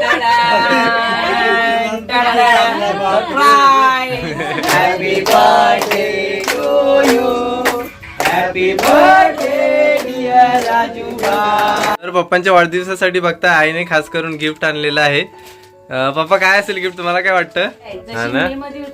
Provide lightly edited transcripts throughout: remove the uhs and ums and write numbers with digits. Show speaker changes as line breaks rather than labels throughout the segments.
Happy birthday to you, happy birthday dear Rajuba. तर पप्पांच्या वाढदिवसासाठी बघता आईने खास करून गिफ्ट आणलेलं आहे. पप्पा काय असेल गिफ्ट तुम्हाला काय वाटतं? हा ना,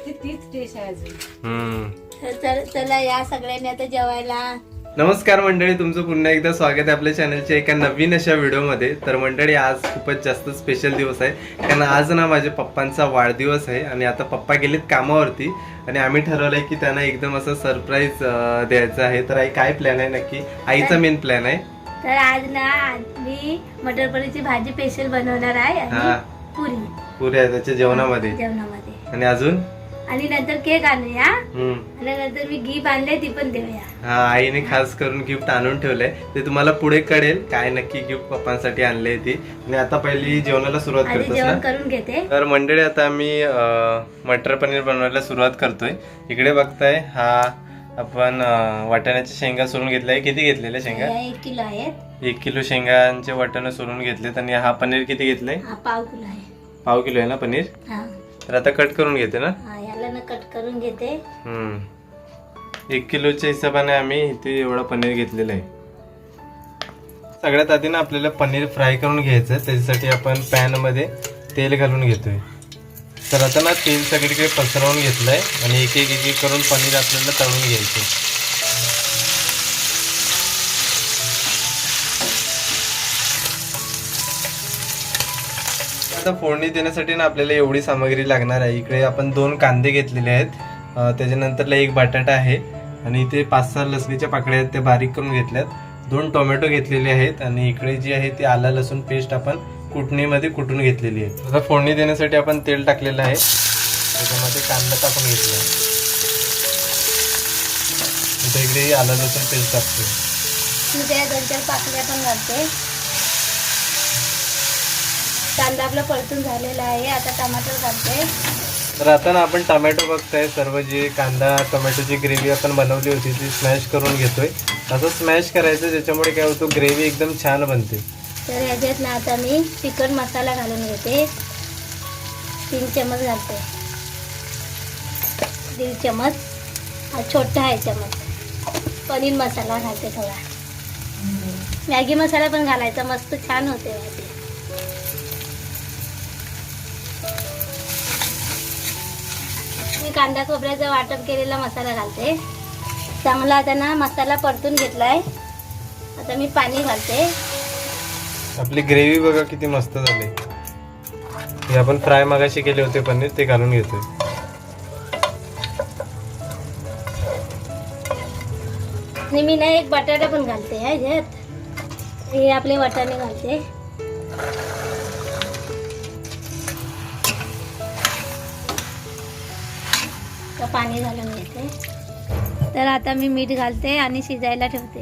चला या सगळ्यांनी आता जेवायला.
नमस्कार मंडळी, तुमचं पुन्हा एकदा स्वागत आहे आपल्या चॅनलच्या एका नवीन अशा व्हिडिओमध्ये. तर मंडळी आज खूपच जास्त स्पेशल दिवस आहे, कारण आज ना माझ्या पप्पांचा वाढदिवस आहे आणि आता पप्पा गेलेत कामावरती आणि आम्ही ठरवलंय की त्यांना एकदम असं सरप्राईज द्यायचं आहे. तर आई काय प्लॅन आहे नक्की? आईचा मेन प्लॅन आहे.
तर आज ना मी मटर पनीरची भाजी स्पेशल बनवणार आहे आणि
पुऱ्या त्याच्या जेवणामध्ये आणि अजून
आणि नंतर केक आणूया आणि नंतर मी गिफ्ट आणले ती पण देऊया.
हा, आईने खास करून गिफ्ट आणून ठेवलंय, ते तुम्हाला पुढे कळेल काय नक्की गिफ्ट पप्पांसाठी आणले ती. आणि आता पहिली जेवणाला सुरुवात करतो
जेवण करून घेते.
तर मंडळी आता आम्ही मटर पनीर बनवायला सुरुवात करतोय. इकडे बघताय हा आपण वाटाण्याच्या शेंगा सोलून घेतलाय. किती घेतलेल्या शेंगा?
1 किलो आहेत.
1 किलो शेंगांचे वाटाणे सोलून घेतलेत. आणि हा पनीर किती घेतलाय?
पाव किलो आहे.
पाव किलो आहे ना पनीर? तर आता कट करून घेते ना.
याला ना कट करून घेते.
1 किलोच्या हिशोबाने आम्ही इथे एवढा पनीर घेतलेला आहे. सगळ्यात आधी ना आपल्याला पनीर फ्राय करून घ्यायचं. त्याच्यासाठी आपण पॅन मध्ये तेल घालून घेतोय. तर आता ना तेल सगळीकडे पसरवून घेतलंय आणि एक एक करून पनीर आपल्याला तळून घ्यायचं. आता फोडणी देण्यासाठी ना आपल्याला एवढी सामग्री लागणार आहे. इकडे आपण 2 कांदे घेतलेले आहेत, त्याच्यानंतरला 1 बटाटा आहे आणि इथे 5-6 लसणीच्या पाकळ्या आहेत, ते बारीक करून घेतल्यात. 2 टोमॅटो घेतलेले आहेत आणि इकडे जी आहे ती आला लसूण पेस्ट आपण कुटणीमध्ये कुटून घेतलेली आहे. आता फोडणी देण्यासाठी आपण तेल टाकलेलं आहे, त्याच्यामध्ये कांदा टाकून घेतला. आता इकडे आला लसूण पेस्ट टाकतो.
2-4 पाकळ्या पण घालते. कांदा आपला परतून झालेला आहे. आता टमाटर घालते.
तर आता ना आपण टोमॅटो बघताय, सर्व जे कांदा टोमॅटोची ग्रेव्ही आपण बनवली होती ती स्मॅश करून घेतोय. असं स्मॅश करायचं ज्याच्यामुळे काय होतं, ग्रेव्ही एकदम छान बनते. तर
याच्यात ना आता मी चिकन मसाला घालून घेते. 3 चमच घालते. 1.5 चमच, हा छोटा आहे चमच. पनीर मसाला घालते थोडा. मॅगी मसाला पण घालायचा, मस्त छान होते भाजी. मी कांदा खोबऱ्याचा वाटप केलेला मसाला घालते. चांगला आता ना मसाला परतून घेतलाय. आता मी पाणी घालते.
आपली ग्रेव्ही बघा किती मस्त झाली. हे आपण फ्राय मगाशी केले होते पनीर, ते घालून घेतोय.
आणि मी ना 1 बटाटा पण घालते ह्याच्यात. हे आपले वाटाणे घालते. पाणी घालून घेते. तर आता मी मीठ घालते आणि शिजायला ठेवते.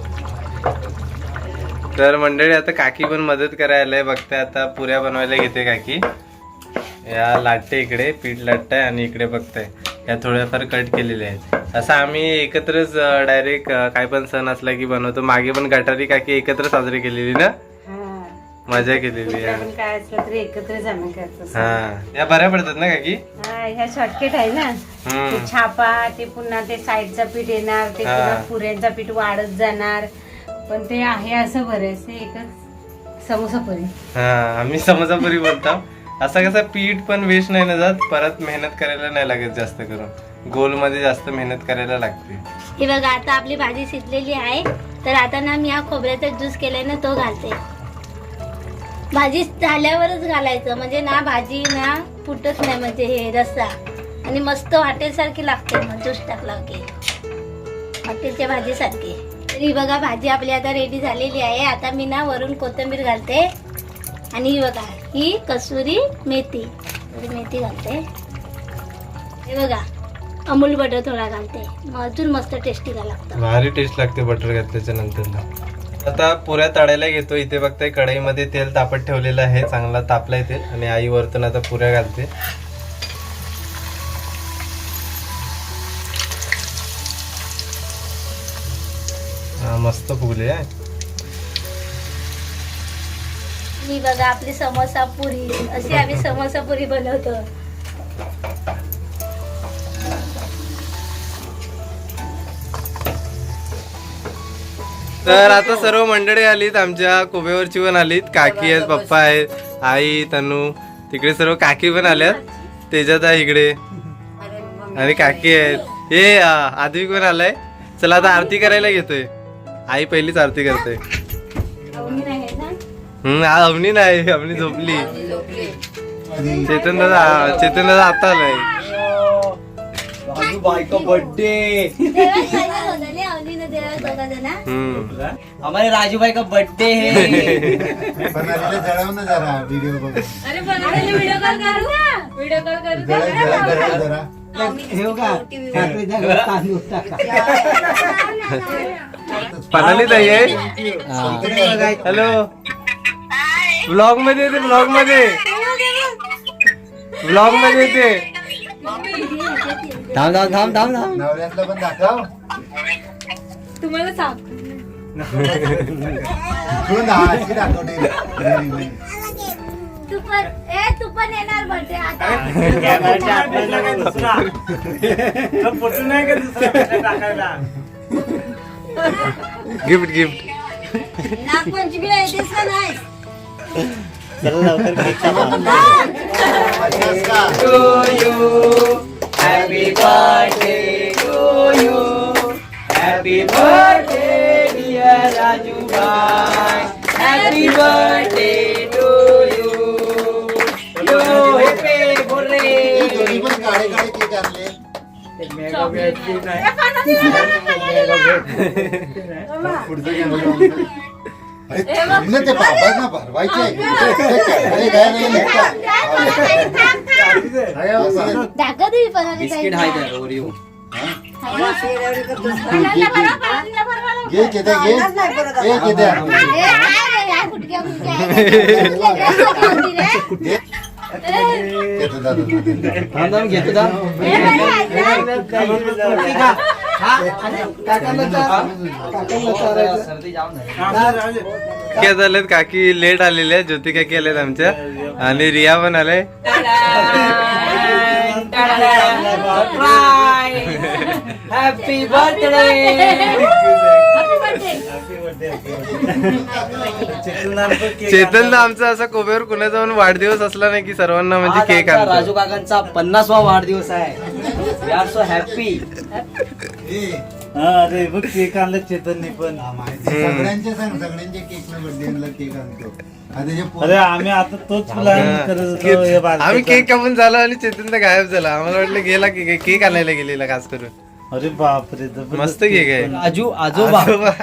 तर मंडळी आता काकी पण मदत करायला बघते. आता पुऱ्या बनवायला घेते काकी. या लाटते, इकडे पीठ लाटताय आणि इकडे बघताय या थोड्याफार कट केलेल्या आहेत. असं आम्ही एकत्रच डायरेक्ट काय पण सण असला की बनवतो. मागे पण गटारी काकी एकत्र साजरी केलेली ना, मजा केलेली.
काय असलं तरी एकत्रच आम्ही करतो.
हा, या बऱ्या पडतात ना काकी.
ह्या शॉर्टकट आहे ना. ते छापा, ते पुन्हा ते साईडचा पीठ येणार, ते पुन्हा पुऱ्यांचा पीठ वाढत जाणार. पण ते आहे असं बरेच एकच समोसापुरी.
हा, आम्ही समोसापुरी बोलतो. असं कसं पीठ पण वेस्ट नाही ना जात, परत मेहनत करायला नाही लागत जास्त करून. गोल मध्ये जास्त मेहनत करायला लागते.
हे बघा आता आपली भाजी शिजलेली आहे. तर आता ना मी हा खोबऱ्याचा ज्यूस केलाय ना तो घालते. भाजी झाल्यावरच घालायचं, म्हणजे ना भाजी ना फुटत नाही, म्हणजे हे रस्सा आणि मस्त हॉटेलसारखी लागते. मग ज्यूस टाकला की हॉटेलच्या भाजीसारखी. तरी बघा भाजी आपली आता रेडी झालेली आहे. आता मी ना वरून कोथिंबीर घालते आणि ही बघा ही कसुरी मेथी, मेथी घालते. हे बघा अमूल बटर थोडा घालते, मग अजून मस्त टेस्टी लागतं.
भारी टेस्ट लागते बटर घातल्याच्या नंतर. आता पुऱ्या तळायला घेतो. इथे बघताय कढईमध्ये तेल तापत ठेवलेलं आहे, चांगला तापलाय तेल आणि आई वरतून आता पुऱ्या घालते. मस्त फुगले आहे.
मी बघा आपली समोसा पुरी अशी आम्ही समोसा पुरी बनवतो.
तर आता सर्व मंडळी आलीत, आमच्या कोबेवरची पण आलीत, काकी आहेत, पप्पा आहेत, आई, तनू, तिकडे सर्व काकी पण आल्यात, तेजात आहे इकडे आणि काकी आहेत. हे आदवी पण आलाय. चला आता आरती करायला घेतोय. आई पहिलीच आरती करते. अवनी नाही, अवनी झोपली. चेतन दादा आता आलाय.
बायका बर्थडे, हमारे राजू भाई का बर्थडे है.
पनाली ताई आहे. हॅलो, ब्लॉग मध्ये येते, ब्लॉग मध्ये येते.
थांब थांब थांब थांब थांब.
नवऱ्यातलं पण दाखव.
तुम्हाला सांग
तू पण येणार बर्थडे आता.
Gift gift.
नागपंचमीला येतेस का नाही?
Happy birthday to you. Happy birthday dear Raju bhai. Happy birthday to you. Yo happy birthday.
पण काळे काळे केक आणले. पुढचं कॅमेरा अरे ते बाबांना भरवायचे आहे.
बिस्किट हाय तर ओरिओ.
घे केद्या, घे केद्या.
थांब थांब घेतो थांब. सर्दी जाम झाली.
काय झालेत, काकी लेट आलेल्या, ज्योती काकी आल्यात आमच्या आणि रिया पण आलाय.
Happy birthday.
चेतन आमचा असा कोब्यावर कुणाचा पण वाढदिवस असला नाही की सर्वांना म्हणजे
आज
केक
आमचा
आणतो.
राजू काकांचा 50वा वाढदिवस आहे. We are so happy.
अरे बघ केक आणलं चेतनने पण.
सगळ्यांचे सांग, सगळ्यांचे केक न बर्थडे केक आणतो.
अरे आम्ही आता तोच प्लॅन करत होतो. हे बारकेचा.
आम्ही केक कापून झालो आणि चेतन तर गायब झाला. आम्हाला वाटलं गेला की केक आणायला गेलेला खास करून.
अरे बापरे जबरदस्त
मस्त केक आहे.
राजू आजोबा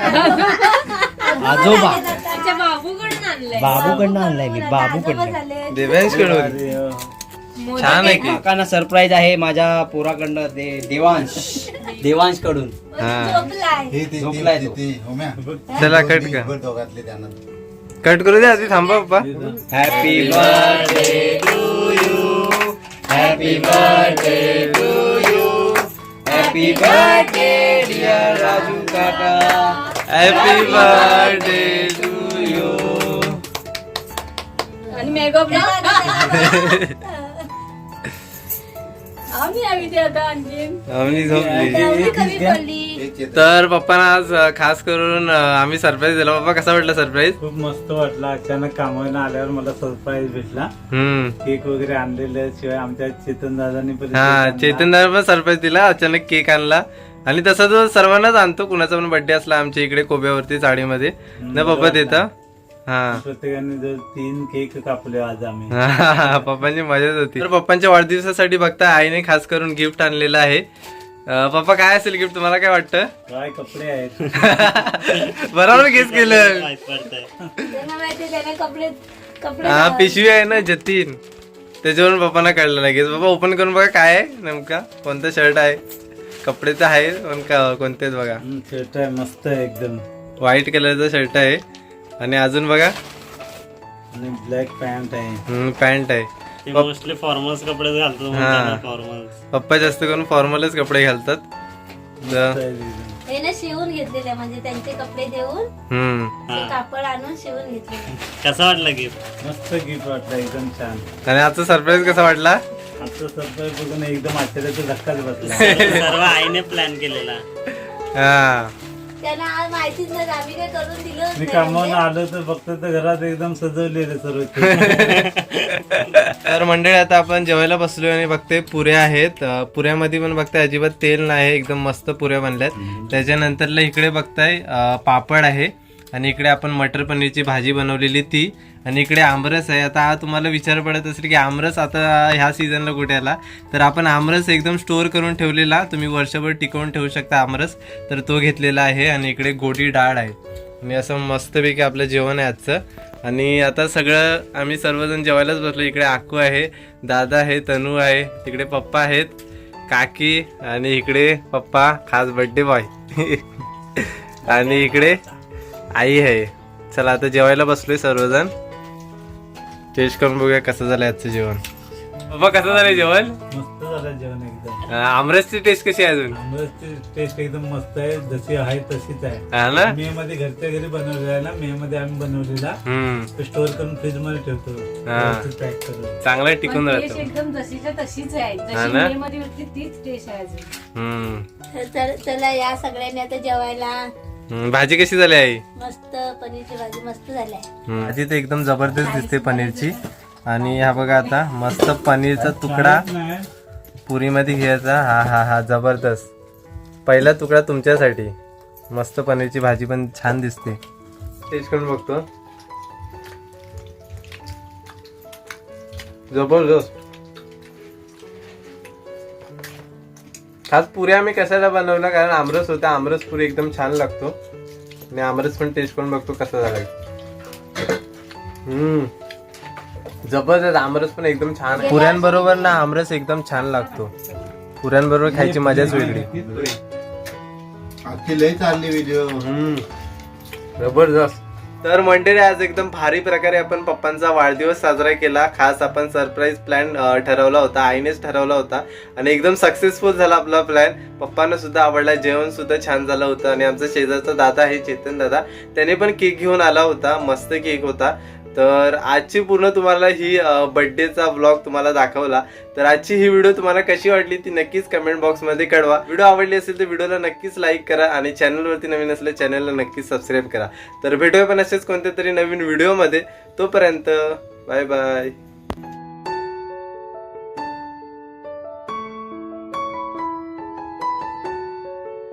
आजोबा बाबूकडनं आणलाय मी. बाबूकडनं
देवांश कडून
अरे,
छान आहे केक.
काकांना सरप्राईज आहे माझ्या पोराकडनं. ते देवांश कडून. झोपलाय तो.
चला कट कर.
दोघातले त्यांना
कट करू दे आधी, थांबा पप्पा.
Happy birthday to you. Happy birthday to you. Happy birthday dear Raju काका.
Happy birthday to you.
आणि मेकअप
आम्ही झोपली. तर पप्पांना आज खास करून आम्ही सरप्राईज दिला. पप्पा कसा वाटला सरप्राईज?
खूप मस्त वाटलं. अचानक कामावरून आल्यावर मला सरप्राईज भेटला. केक वगैरे आणलेले, शिवाय आमच्या चेतन दादांनी पण
चेतन दादा पण सरप्राईज दिला. अचानक केक आणला आणि तसा तो सर्वांनाच आणतो. कुणाचा पण बर्थडे असला आमच्या इकडे कोब्यावरती चाळीमध्ये ना पप्पा देता. हा,
प्रत्येकाने जर 3 केक कापले आज आम्ही.
पप्पांची मजाच होती. तर पप्पांच्या वाढदिवसासाठी बघता आईने खास करून गिफ्ट आणलेलं आहे. पप्पा काय असेल गिफ्ट, तुम्हाला काय वाटतं?
काय कपडे आहेत.
बरोबर गेस केलं. हा, पिशवी आहे ना जतीन, त्याच्यावरून पप्पांना कळलं नाही. गेस बाबा ओपन करून बघा काय आहे नेमका, कोणता शर्ट आहे. कपडे तर आहे पण कोणते बघा.
शर्ट आहे मस्त आहे एकदम.
व्हाईट कलरचा शर्ट आहे आणि अजून बघा
आणि ब्लॅक पॅन्ट आहे.
पॅन्ट आहे.
मोस्टली फॉर्मल्स कपडे घालतो.
हा.
फॉर्मल्स
पप्पा जास्त करून फॉर्मलच कपडे घालतात.
हे ना शिवून घेतलेले म्हणजे त्यांचे कपडे देऊन ते कापड आणून शिवून घेतलेले.
कसं वाटलं गिफ्ट?
मस्त गिफ्ट वाटलं, एकदम छान.
आणि आजचा सरप्राईज कसा वाटला?
आजचं सरप्राईज बघून एकदम आश्चर्याचा धक्काच बसला.
सर्व आईने प्लॅन केलेला.
हा
त्यांना आज माहितीच नाही आम्ही काय करून दिलं
मी कामावून आलो तर फक्त तर घरात एकदम सजवलेलं सर्व.
तर मंडळी आता आपण जेवायला बसलोय आणि बघते पुऱ्या आहेत. पुऱ्यामध्ये पण बघताय अजिबात तेल नाही, एकदम मस्त पुऱ्या बनल्यात. त्याच्यानंतरला इकडे बघताय पापड आहे आणि इकडे आपण मटर पनीरची भाजी बनवलेली ती, आणि इकडे आमरस आहे. आता तुम्हाला विचार पडत असेल की आमरस आता ह्या सीझनला कुठे आला, तर आपण आमरस एकदम स्टोअर करून ठेवलेला, तुम्ही वर्षभर टिकवून ठेवू शकता आमरस, तर तो घेतलेला आहे. आणि इकडे गोडी डाळ आहे आणि असं मस्तपैकी आपलं जेवण आहे आजचं. आणि आता सगळं आम्ही सर्वजण जेवायलाच बसलो. इकडे आकू आहे, दादा आहे, तनू आहे, तिकडे पप्पा आहेत, काकी, आणि इकडे पप्पा खास बर्थडे बॉय आणि इकडे आई आहे. चला आता जेवायला बसलोय सर्वजण. टेस्ट करून बघूया कसं झालं आजचं जेवण. पप्पा कसं झालंय जेवण?
मस्त झालं जेवण एकदम.
आमरसची टेस्ट कशी आहे अजून?
आमरसची टेस्ट एकदम मस्त आहे, जशी आहे तशीच आहे.
हा ना?
मे मध्ये घरच्या घरी बनवलेला आहे ना, मे मध्ये आम्ही बनवलेला, स्टोअर करून फ्रीज मध्ये ठेवतो, पॅक करून.
चांगलं टिकून
पण
राहतो.
टेस्ट एकदम जशीच्या तशीच आहे,
हा
जशी
ना?
मे मध्ये होती तीच टेस्ट आहे अजून.
तर चला या सगळ्यांनी आता जेवायला.
भाजी कशी झाली आई?
मस्त पनीरची भाजी मस्त झाली आहे.
भाजी तर एकदम जबरदस्त दिसते पनीरची. आणि हा बघा आता मस्त पनीरचा तुकडा पुरीमध्ये घ्यायचा. हा हा हा जबरदस्त. पहिला तुकडा तुमच्यासाठी. मस्त पनीरची भाजी पण छान दिसते. टेस्ट करून बघतो. जबरदस्त. खास पुऱ्या आम्ही कशाला बनवला, कारण आमरस होता. आमरस पुरी एकदम छान लागतो. आणि आमरस पण टेस्ट करून बघतो कसा झाला. जबरदस्त. आमरस पण एकदम छान. पुऱ्यांबरोबर ना आमरस एकदम छान लागतो. पुऱ्यांबरोबर खायची मजाच वेगळी.
आजची लय चालली व्हिडिओ.
जबरदस्त. तर मंडळी आज एकदम भारी प्रकारे आपण पप्पांचा वाढदिवस साजरा केला. खास आपण सरप्राईज प्लॅन ठरवला होता, आईनेच ठरवला होता आणि एकदम सक्सेसफुल झाला आपला प्लॅन. पप्पांना सुद्धा आवडला, जेवण सुद्धा छान झालं होतं. आणि आमचा शेजारचा दादा आहे चेतन दादा, त्याने पण केक घेऊन आला होता. मस्त केक होता. तर आजची पूर्ण तुम्हाला ही बर्थडेचा व्लॉग तुम्हाला दाखवला. तर आजची ही व्हिडिओ तुम्हाला कशी वाटली ती नक्कीच कमेंट बॉक्समध्ये कळवा. व्हिडिओ आवडली असेल तर व्हिडिओला नक्कीच लाईक करा आणि चॅनलवरती नवीन असल्या चॅनलला नक्कीच सबस्क्राईब करा. तर भेटूया पण असेच कोणत्या तरी नवीन व्हिडिओमध्ये. तोपर्यंत बाय बाय.